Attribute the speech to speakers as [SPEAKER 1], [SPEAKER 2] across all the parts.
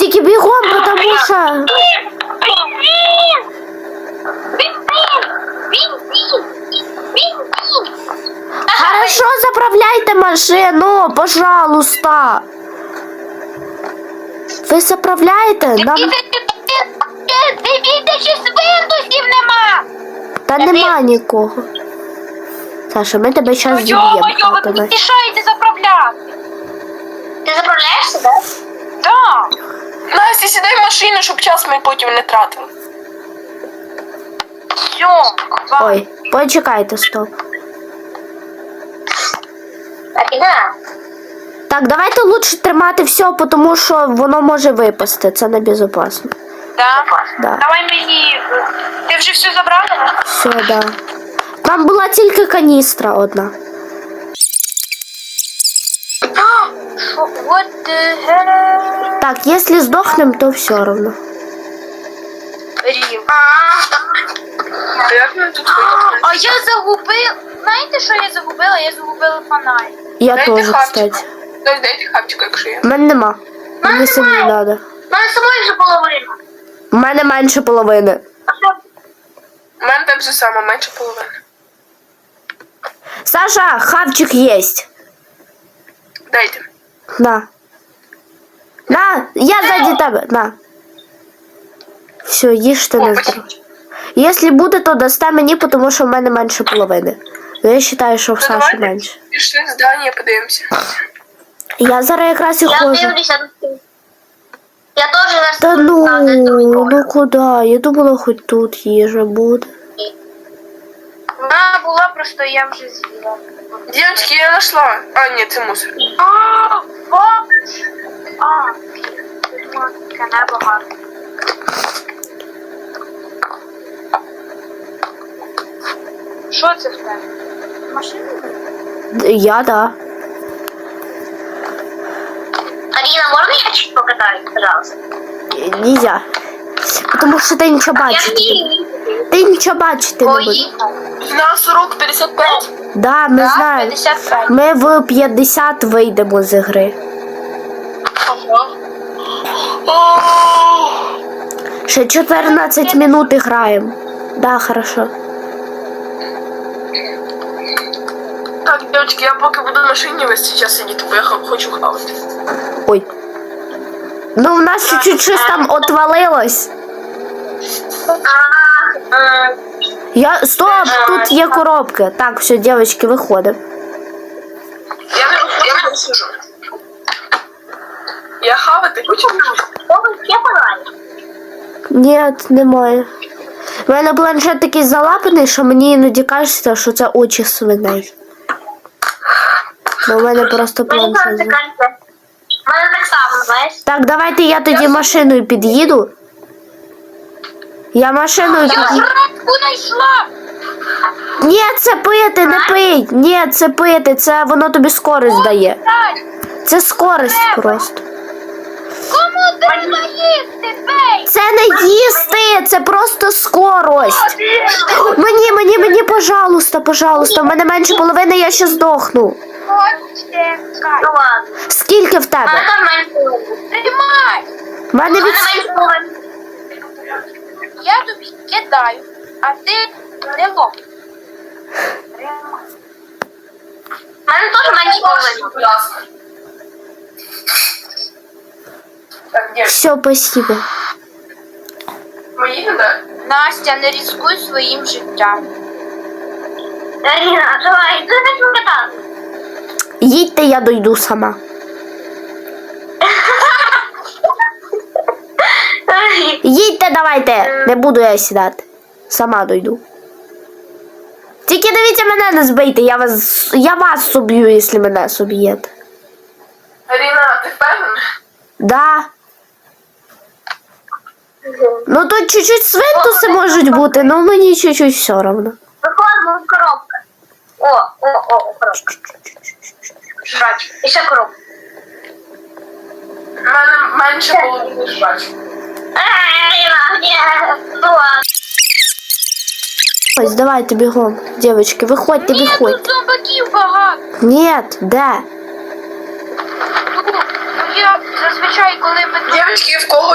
[SPEAKER 1] Тільки бігом, потому що... Хорошо, заправляйте машину, пожалуйста. Ви заправляєте? Нам...
[SPEAKER 2] Дивіться, що свинтусів нема.
[SPEAKER 1] Та нема нікого. Саша, ми тебе зараз зіб'ємо.
[SPEAKER 2] Ви мені мішаєте заправляти. Ти заправляєшся, так? Так.
[SPEAKER 3] Настя, сідай в машину, щоб час ми потім не тратили.
[SPEAKER 2] Все.
[SPEAKER 1] Ой, почекайте, стоп. Так, давайте лучше тримати все, тому що воно може випасти. Це небезпечно.
[SPEAKER 2] Да?
[SPEAKER 1] Да.
[SPEAKER 2] Давай мені. Ти вже все забрала?
[SPEAKER 1] Все, да. Там була тільки каністра одна.
[SPEAKER 2] What the hell?
[SPEAKER 1] Так, якщо здохнем, то все одно.
[SPEAKER 2] Рів.
[SPEAKER 3] А як ми тут вийдемо?
[SPEAKER 2] А я загубила. Знаєте, що я загубила? Я загубила фонарик.
[SPEAKER 1] Я
[SPEAKER 3] Дайте
[SPEAKER 1] теж,
[SPEAKER 3] хавчик.
[SPEAKER 1] кстати.
[SPEAKER 3] Дайте хапчик, якщо є.
[SPEAKER 1] У мене нема. Мені самі не треба.
[SPEAKER 2] У мене самої вже половина.
[SPEAKER 1] У мене менше половини.
[SPEAKER 3] У мене так же само, менше половини.
[SPEAKER 1] Саша, хавчик єсть.
[SPEAKER 3] Дайте.
[SPEAKER 1] На. На, я ззаді тебе. На. Все, їж ти
[SPEAKER 3] О,
[SPEAKER 1] не
[SPEAKER 3] спасибо.
[SPEAKER 1] здоров. Якщо буде, то дасте мені, тому що в мене менше половини. Ну, я вважаю, що в Саші
[SPEAKER 3] давайте.
[SPEAKER 1] менше.
[SPEAKER 3] Пішли в здання, подивимося.
[SPEAKER 1] Я зараз якраз і ходжу.
[SPEAKER 2] Я теж раз.
[SPEAKER 1] Та ну куди? Я думала, хоч тут їжа буде.
[SPEAKER 2] Вона була, просто я вже з'їла.
[SPEAKER 3] Дівчатки, я знайшла. А, ні, це мусор.
[SPEAKER 2] Вот. Тут таке небо гарне. Що це в тебе? Машина?
[SPEAKER 1] Я, да.
[SPEAKER 2] Арина, можно я чуть покатаюсь, пожалуйста?
[SPEAKER 1] Нельзя. Потому що ти нічого бачити. Ти нічого бачити не будеш.
[SPEAKER 3] У нас урок 55.
[SPEAKER 1] Да, ми знаємо.
[SPEAKER 2] 55.
[SPEAKER 1] Ми в 50 вийдемо з гри.
[SPEAKER 3] Ага.
[SPEAKER 1] Ще 14 минут граємо. Да, хорошо.
[SPEAKER 3] Так, дівчатки, я поки буду в машині весь час сидіти, бо я хочу хавати.
[SPEAKER 1] Ой. Ну, у нас чуть-чуть щось там отвалилось. Стоп, тут є коробки. Так, все, дівчатки, виходимо.
[SPEAKER 3] Я не сижу. Я хавати хочу.
[SPEAKER 1] Ні, немає. У мене планшет такий залапаний, що мені іноді кажеться, що це очі свиней. Ну, у мене просто планшет.
[SPEAKER 2] У мене так само, знаєш?
[SPEAKER 1] Так, давайте я тоді машиною під'їду. Я машиною під'їду.
[SPEAKER 2] Градку знайшла!
[SPEAKER 1] Ні, це пити, не пий. Ні, це пити, це воно тобі скорість дає. Це скорість просто.
[SPEAKER 2] Кому треба їсти, бей?
[SPEAKER 1] Це не їсти, це просто скорость. Мені, пожалуйста, пожалуйста. В мене менше половини, я ще здохну.
[SPEAKER 2] Ну ладно.
[SPEAKER 1] Скільки в тебе?
[SPEAKER 2] Там менше. Тримай!
[SPEAKER 1] В мене від...
[SPEAKER 2] Я тобі кидаю, а ти не лоб. У мене теж менше половини.
[SPEAKER 3] Будь ласка. Так, дівчатки,
[SPEAKER 1] Все, спасибо.
[SPEAKER 3] ми їдемо, так?
[SPEAKER 2] Настя, не ризикуй своїм життям. Аріна, давай, ти не покатати.
[SPEAKER 1] Їдьте, я дойду сама. Їдьте, давайте. Не буду я сідати. Сама дойду. Тільки дивіться, мене не збийте, я вас соб'ю, якщо мене соб'єте.
[SPEAKER 3] Аріна, ти впевнена?
[SPEAKER 1] Да. Ну тут чуть-чуть свинтуси можуть бути, але мені чуть-чуть все одно.
[SPEAKER 2] Виходимо в коробку. О, коробка. Бачу. І ще коробка.
[SPEAKER 3] У мене менше половини ж бачу.
[SPEAKER 2] Аріна, ні. Ну ладно.
[SPEAKER 1] Ось, давайте бігом. Дівчатки, виходьте,
[SPEAKER 2] Ні, тут
[SPEAKER 1] виходьте.
[SPEAKER 2] зомбаків багато.
[SPEAKER 1] Ні, де?
[SPEAKER 2] Ну, я зазвичай, коли ми тут...
[SPEAKER 3] Дівчатки, в кого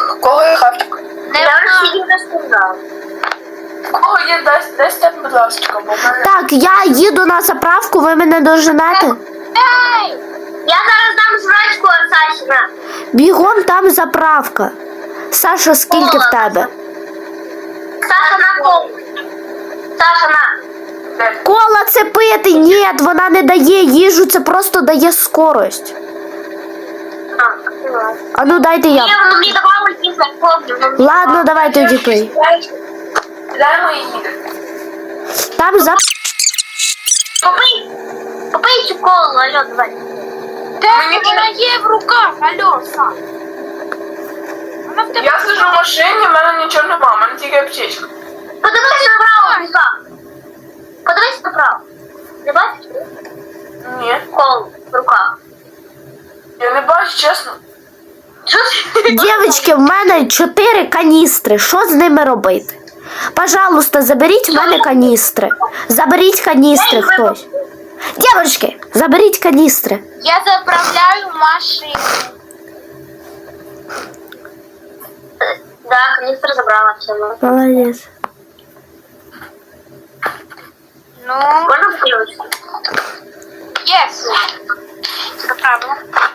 [SPEAKER 3] В кого є хавчик?
[SPEAKER 2] Я вже її не сказав.
[SPEAKER 3] В кого є десь там, будь ласка, бо в мене...
[SPEAKER 1] Так, я їду на заправку, ви мене доженете?
[SPEAKER 2] Ей! Я зараз дам жрачку от Сашина.
[SPEAKER 1] Бігом там заправка. Саша, скільки в тебе?
[SPEAKER 2] Саша на колу. Саша на.
[SPEAKER 3] Де?
[SPEAKER 1] Кола це пити, ні, вона не дає їжу, це просто дає скорость. А ну дайте я.
[SPEAKER 2] Ні, воно мені давало кілька хлопців.
[SPEAKER 1] Ладно, давай тоді пий.
[SPEAKER 3] Даємо і їде.
[SPEAKER 1] Там за...
[SPEAKER 2] Попий. Попий цю колу, алло, давай.
[SPEAKER 3] Мені
[SPEAKER 4] Вона є в руках, алло, Саш. Вона в тебе.
[SPEAKER 3] Я сиджу в машині, в мене нічого нема, в мене тільки аптечка.
[SPEAKER 2] Подивись направо, Віка. Подивись направо. Не бачиш?
[SPEAKER 3] Ні,
[SPEAKER 2] Колу в руках.
[SPEAKER 3] я не бачу, чесно.
[SPEAKER 2] Що ти?
[SPEAKER 1] Дівчатки, в мене 4 каністри. Що з ними робити? Пожалуйста, заберіть в мене каністри. Заберіть каністри хтось. Дівчатки, заберіть каністри.
[SPEAKER 4] Я заправляю машину.
[SPEAKER 2] Да, каністр забрала все.
[SPEAKER 1] Молодець.
[SPEAKER 4] Ну,
[SPEAKER 2] Можна включити?
[SPEAKER 4] єс. Заправила.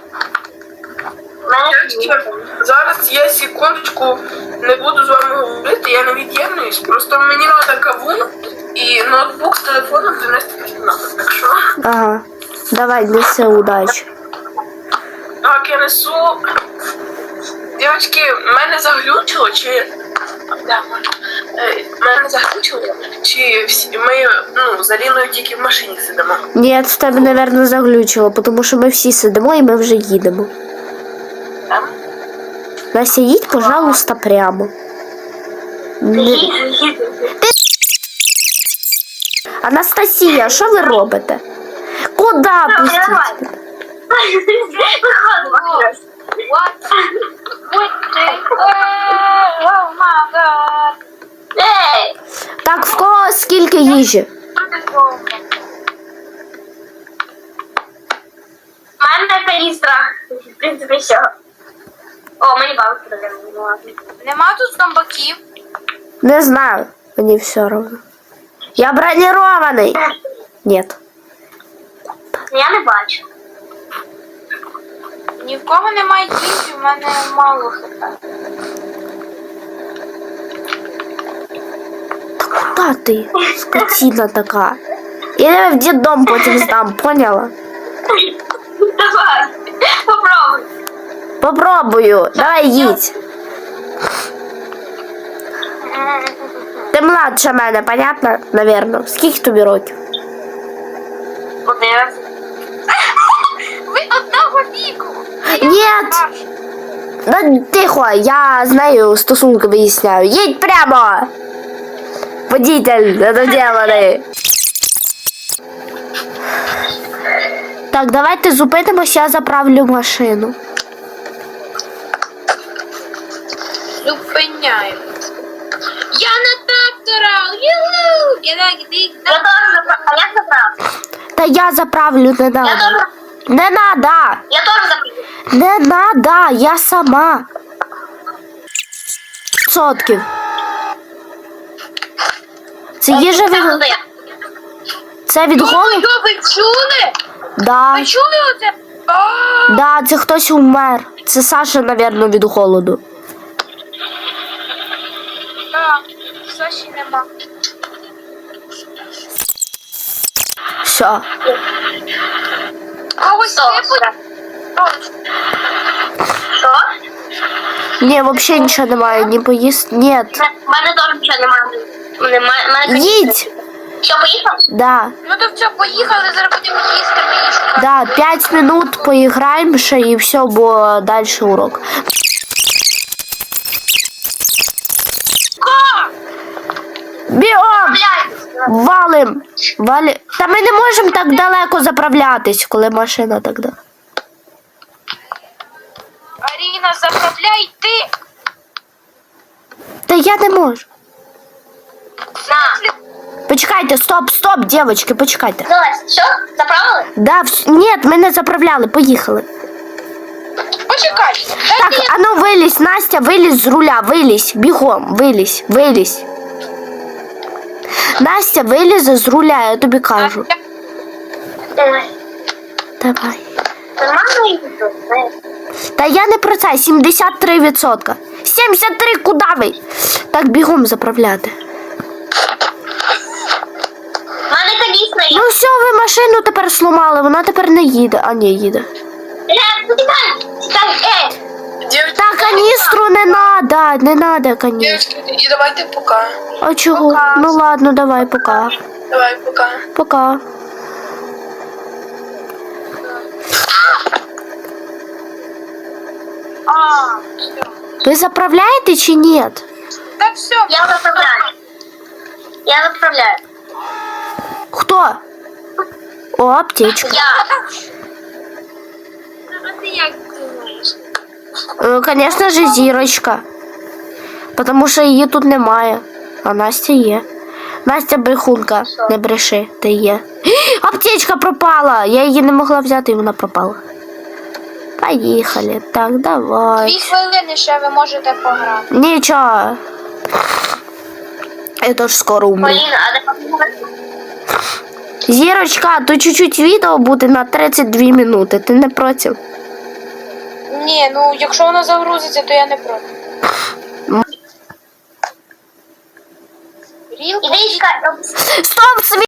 [SPEAKER 2] У мене
[SPEAKER 3] Дівчатки, зараз я секундочку не буду з вами говорити, я не від'єднуюсь. Просто мені треба кавун і ноутбук з телефоном занести в кімнату. Так що,
[SPEAKER 1] Ага. Давай, неси удачі.
[SPEAKER 3] так, я несу. Дівчатки, мене заглючило, чи... Да, мене заглючило, чи ми, з Аліною тільки в машині сидимо.
[SPEAKER 1] Ні, в тебе, мабуть, заглючило, тому що ми всі сидимо і ми вже їдемо.
[SPEAKER 3] Там?
[SPEAKER 1] Настя, їдь, пожалуйста, прямо. Анастасія, що ви робите? Куди пустіть?
[SPEAKER 2] Виходимо.
[SPEAKER 4] What? Oh my god.
[SPEAKER 2] Ей!
[SPEAKER 1] Так, в кого скільки їжі?
[SPEAKER 2] У мене каністра. В принципі, все. О, мені бабки дали.
[SPEAKER 4] Нема тут зомбаків.
[SPEAKER 1] Не знаю, мені все равно. Я бронированный. Нет.
[SPEAKER 2] Я не бачу.
[SPEAKER 4] Ні в кого немає їжі, в мене мало хп.
[SPEAKER 1] Куда ти, скотина така? Я тебе в дитдом потім здам, поняла?
[SPEAKER 2] Давай. Попробуй.
[SPEAKER 1] Попробую. Давай їдь. Ти младша мене, понятно? Наверно. Скільки тобі років?
[SPEAKER 2] Подивимось.
[SPEAKER 4] Ви одного віку.
[SPEAKER 1] Нет. Да тихо, я з нею стосунки виясняю. Їдь прямо. Водитель недоділений. Так, давайте зупинимося, я заправлю машину.
[SPEAKER 4] Зупиняємо. Я на трактора! Юху!
[SPEAKER 2] Я теж заправ. А як заправ?
[SPEAKER 1] Та я заправлю, не
[SPEAKER 2] Я
[SPEAKER 1] надо.
[SPEAKER 2] теж.
[SPEAKER 1] Не надо.
[SPEAKER 2] Я теж заправлю.
[SPEAKER 1] Не надо, я сама. Сотків. Це їжа від... Це від голоду?
[SPEAKER 4] Йо, ви чули?
[SPEAKER 1] Да.
[SPEAKER 4] Ви чули оце?
[SPEAKER 1] Да, це хтось умер. Це Саша, напевно, від голоду.
[SPEAKER 4] Так, Саші нема.
[SPEAKER 1] Все.
[SPEAKER 4] Когось випадь?
[SPEAKER 2] Що?
[SPEAKER 1] Ні, взагалі нічого немає, не поїсти. Ні.
[SPEAKER 2] У мене теж нічого немає. Мене
[SPEAKER 1] Їдь.
[SPEAKER 2] Що, поїхав?
[SPEAKER 1] Да.
[SPEAKER 4] Ну то все, поїхали, зараз будемо їсти, мені шукати.
[SPEAKER 1] Да, 5 минут поіграємо ще і все, бо далі урок. Бігом! Валим! Валим! Та ми не можемо так далеко заправлятись, коли машина так да.
[SPEAKER 4] Аріна, заправляй ти!
[SPEAKER 1] Та я не можу.
[SPEAKER 2] На.
[SPEAKER 1] Почекайте, стоп, дівчатки, почекайте.
[SPEAKER 2] Залазь. Що? Заправили?
[SPEAKER 1] Да, ні, ми не заправляли, поїхали.
[SPEAKER 4] Почекай.
[SPEAKER 1] Так, а ну Ну, вилізь, Настя, вилізь з руля, вилізь, бігом, вилізь. Настя, вилізе з руля, я тобі кажу. Давай.
[SPEAKER 2] Нормально їду, знаєш.
[SPEAKER 1] Та я не про це, 73%. 73, куди ви? Так, бігом заправляти.
[SPEAKER 2] В мене колісно є.
[SPEAKER 1] Ну все, ви машину тепер сломали, вона тепер не їде. А, ні, їде.
[SPEAKER 2] Чекай,
[SPEAKER 3] Дівчатки,
[SPEAKER 1] Та каністру не надо каністру.
[SPEAKER 3] і давайте пока.
[SPEAKER 1] А чого?
[SPEAKER 4] Пока.
[SPEAKER 1] Ну ладно, давай, пока.
[SPEAKER 3] Давай, пока.
[SPEAKER 1] Пока.
[SPEAKER 4] А, все.
[SPEAKER 1] Ви заправляєте чи ні?
[SPEAKER 4] Так все.
[SPEAKER 2] Я заправляю. Я заправляю.
[SPEAKER 1] Хто? О, аптечка.
[SPEAKER 2] Я.
[SPEAKER 4] А ти як думаєш?
[SPEAKER 1] Конечно же, зірочка. Потому що її тут немає. А Настя є. Настя брехунка. Не бреши, ти є. Аптечка пропала! Я її не могла взяти, і вона пропала. Поїхали. Так, давай.
[SPEAKER 4] 2 хвилини ще ви можете пограти.
[SPEAKER 1] Нічого. Я теж скоро умру.
[SPEAKER 2] Поліна, а де
[SPEAKER 1] Зірочка, то чуть-чуть відео буде на 32 минути. Ти не проти?
[SPEAKER 4] Ні, ну якщо воно загрузиться, то я не проти. Рілка?
[SPEAKER 2] Іди, чекай.
[SPEAKER 1] Стоп,